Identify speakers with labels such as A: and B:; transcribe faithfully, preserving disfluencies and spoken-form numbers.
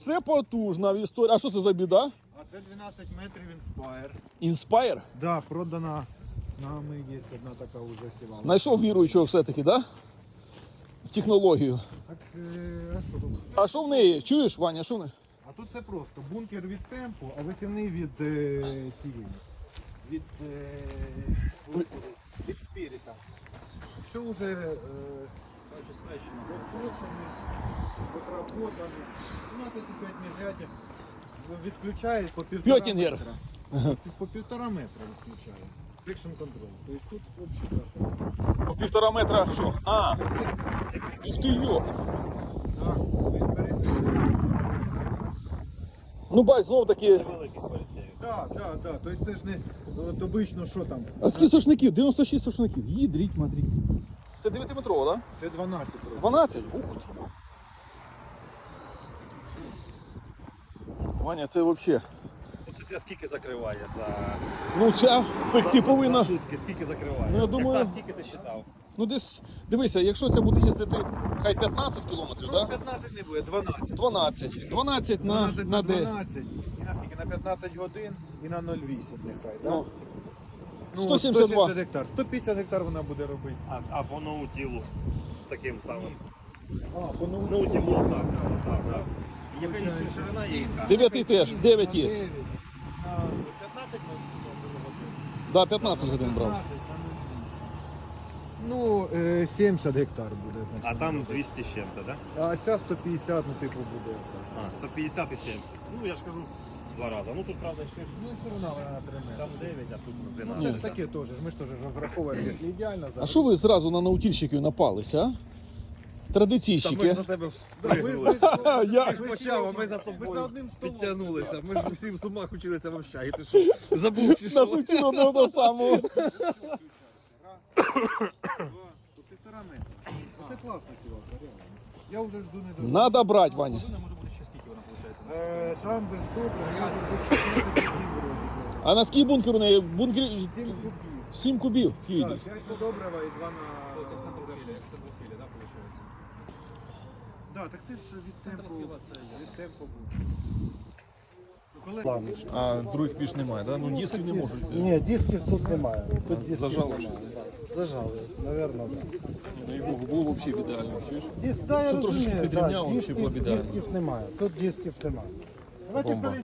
A: Це потужна історія. А що це за біда?
B: А це дванадцять метрів Inspire.
A: Inspire?
B: Да, продана нами, є одна така вже сівалка.
A: Знайшов віруючого все-таки, да? В технологію.
B: Так, е, а що тут?
A: А що в неї? Чуєш, Ваня, що в неї?
B: А тут все просто. Бункер від темпу, а висівний від е, цієї. Від, е, господи, від спіріта. Все вже е, скрещено. Викручений, викработаний. дванадцять і п'ять міжрядів відключає по півтора
A: П'ятінгер.
B: метра. По півтора метра відключає. Section control. Тобто тут взагалі красиво.
A: По півтора метра що? А, ух ти йопт.
B: Так, тобто пересилює.
A: Ну бач, знов таки.
B: Так, так, так. Тобто це ж не от обично, що там.
A: А скільки сошників? дев'яносто шість сошників. Їдріть, мадріть. Це дев'ятиметрово, так?
B: Це дванадцять років.
A: Да? дванадцять? Ух ти. Ваня, це взагалі.
C: Оце це скільки закриває за...
A: Ну ця пекти
C: за,
A: повинна.
C: за сутки, скільки закриває?
A: Ну, я думаю-
C: Як та, скільки ти считав?
A: Ну десь, дивися, якщо це буде їздити хай п'ятнадцять кілометрів,
B: Ну,
A: так? Да?
B: п'ятнадцять не буде, дванадцять.
A: дванадцять. дванадцять на,
B: дванадцять
A: на
B: на
A: де?
B: дванадцять. І на скільки? На п'ятнадцять годин і на нуль вісім нехай, так?
A: Ну,
B: Ну,
A: сто сімдесят два.
B: гектар. сто п'ятдесят гектар вона буде робити.
C: А, а по ноутілу з таким самим.
B: А, по
C: Ноутілу, так, так, так, так. Яка ще ширина є? яка?
A: дев'ятий теж, дев'ять є.
B: п'ятнадцять на
A: Да, п'ятнадцять годин брав.
B: Ну, е, сімдесят гектар буде, значить.
C: А там двісті з чим-то, так?
B: А ця сто п'ятдесят, ну, типу, буде.
C: А, сто п'ятдесят і сімдесят. Ну, я ж кажу, два рази. Ну, тут, правда, ще
B: Ну, все одно вона на три метри.
C: там дев'ять, а тут
B: Ну, це
C: дванадцять.
B: ж таке теж. Ми ж теж розраховуємо, якщо ідеально.
A: А що ви зразу на наутільщиків напалися, а? Традиційщики.
C: тебе
B: впригнули.
A: Я...
C: Ти ж почав, а ми за
B: Ми за
C: тобою
B: одним столом.
C: підтягнулися. Ми ж всі в сумах училися в общагі. Ти що, забув чи
A: Нас
C: що?
A: учили одного того самого.
B: Два, по півтора метра. Це класна сівалка, реально. Я вже жду не дожду.
A: Надо брати, Ваня.
B: Е, Там без добре, я вже по чотирнадцять сім вроді.
A: А на скільки бункер у неї? Бункер
B: сім кубів.
A: сім кубів. Їде.
B: Так, п'ять по добрива і два на... Да, так це ж від темпу, від темпу був. Ну, коли...
A: А других більш немає, да? Ну дисків не можуть.
D: Ні, дисків тут немає. Тут дисків
A: Зажали
D: немає.
A: щось.
D: Зажали, напевно, так.
A: Ну, і було б взагалі ідеально, чуєш?
D: Дис, да, я
A: Що трошечки
D: розумію,
A: підрівняв,
D: да,
A: взагалі
D: дисків,
A: було б ідеально.
D: дисків немає. Тут дисків немає. Давайте
A: Бомба.